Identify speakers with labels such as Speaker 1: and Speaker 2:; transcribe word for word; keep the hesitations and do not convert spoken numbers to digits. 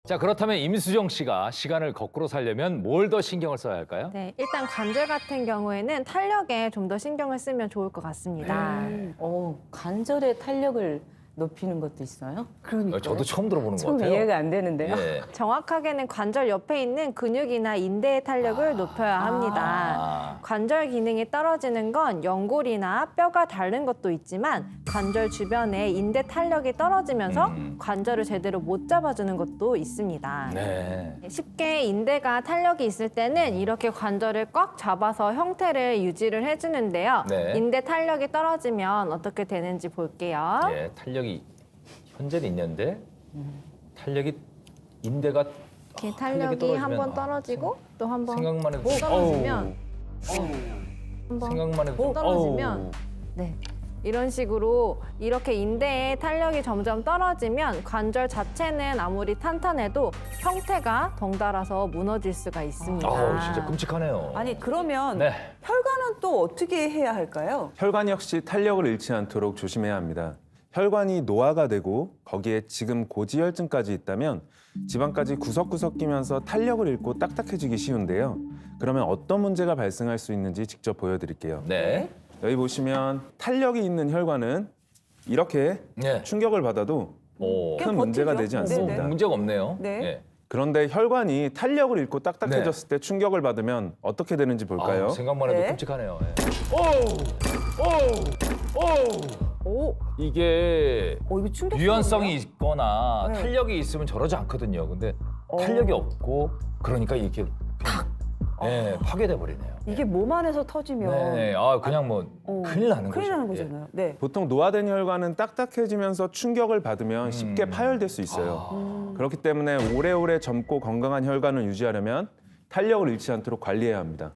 Speaker 1: 자, 그렇다면 임수정 씨가 시간을 거꾸로 살려면 뭘 더 신경을 써야 할까요?
Speaker 2: 네, 일단 관절 같은 경우에는 탄력에 좀 더 신경을 쓰면 좋을 것 같습니다.
Speaker 3: 어, 관절의 탄력을 높이는 것도 있어요?
Speaker 1: 어, 저도 처음 들어보는 것
Speaker 3: 좀
Speaker 1: 같아요.
Speaker 3: 이해가 안 되는데요.
Speaker 1: 예.
Speaker 2: 정확하게는 관절 옆에 있는 근육이나 인대의 탄력을 높여야 합니다.
Speaker 1: 아.
Speaker 2: 관절 기능이 떨어지는 건 연골이나 뼈가 닳는 것도 있지만 관절 주변에 인대 탄력이 떨어지면서
Speaker 1: 음.
Speaker 2: 관절을 제대로 못 잡아주는 것도 있습니다.
Speaker 1: 네.
Speaker 2: 쉽게 인대가 탄력이 있을 때는 이렇게 관절을 꽉 잡아서 형태를 유지를 해주는데요.
Speaker 1: 네.
Speaker 2: 인대 탄력이 떨어지면 어떻게 되는지 볼게요.
Speaker 1: 예, 탄력이 현재는 있는데 탄력이 인대가
Speaker 2: 이렇게
Speaker 1: 아, 탄력이
Speaker 2: 탄력이 한 번
Speaker 1: 떨어지면, 아,
Speaker 2: 떨어지고 또 한 번
Speaker 1: 생각만 해도
Speaker 2: 떨어지면
Speaker 1: 어우,
Speaker 2: 한번
Speaker 1: 생각만 해도
Speaker 2: 떨어지면
Speaker 1: 어우.
Speaker 2: 네. 이런 식으로 이렇게 인대의 탄력이 점점 떨어지면 관절 자체는 아무리 탄탄해도 형태가 덩달아서 무너질 수가 있습니다.
Speaker 1: 아우, 진짜 끔찍하네요.
Speaker 4: 아니 그러면
Speaker 1: 네.
Speaker 4: 혈관은 또 어떻게 해야 할까요?
Speaker 5: 혈관 역시 탄력을 잃지 않도록 조심해야 합니다. 혈관이 노화가 되고 거기에 지금 고지혈증까지 있다면 지방까지 구석구석 끼면서 탄력을 잃고 딱딱해지기 쉬운데요. 그러면 어떤 문제가 발생할 수 있는지 직접 보여드릴게요.
Speaker 1: 네.
Speaker 5: 여기 보시면 탄력이 있는 혈관은 이렇게
Speaker 1: 네.
Speaker 5: 충격을 받아도
Speaker 1: 오.
Speaker 5: 큰 문제가
Speaker 4: 버티죠?
Speaker 5: 되지 않습니다.
Speaker 4: 네네.
Speaker 1: 문제가 없네요.
Speaker 4: 네.
Speaker 1: 예.
Speaker 5: 그런데 혈관이 탄력을 잃고 딱딱해졌을 때 충격을 받으면 어떻게 되는지 볼까요?
Speaker 1: 아우, 생각만 해도
Speaker 4: 네.
Speaker 1: 끔찍하네요. 예. 오우! 오우! 오우!
Speaker 4: 오,
Speaker 1: 이게
Speaker 4: 어, 이거 충격.
Speaker 1: 유연성이 있거나
Speaker 4: 네.
Speaker 1: 탄력이 있으면 저러지 않거든요. 근데
Speaker 4: 어.
Speaker 1: 탄력이 없고 그러니까 이렇게 그냥, 예, 파괴돼 버리네요.
Speaker 4: 이게 몸 안에서 터지면
Speaker 1: 네, 아 그냥 뭐
Speaker 4: 어,
Speaker 1: 큰일 나는
Speaker 4: 큰일
Speaker 1: 거죠.
Speaker 4: 나는
Speaker 1: 예.
Speaker 4: 거잖아요. 네.
Speaker 5: 보통 노화된 혈관은 딱딱해지면서 충격을 받으면 쉽게
Speaker 1: 음.
Speaker 5: 파열될 수 있어요.
Speaker 4: 음.
Speaker 5: 그렇기 때문에 오래오래 젊고 건강한 혈관을 유지하려면 탄력을 잃지 않도록 관리해야 합니다.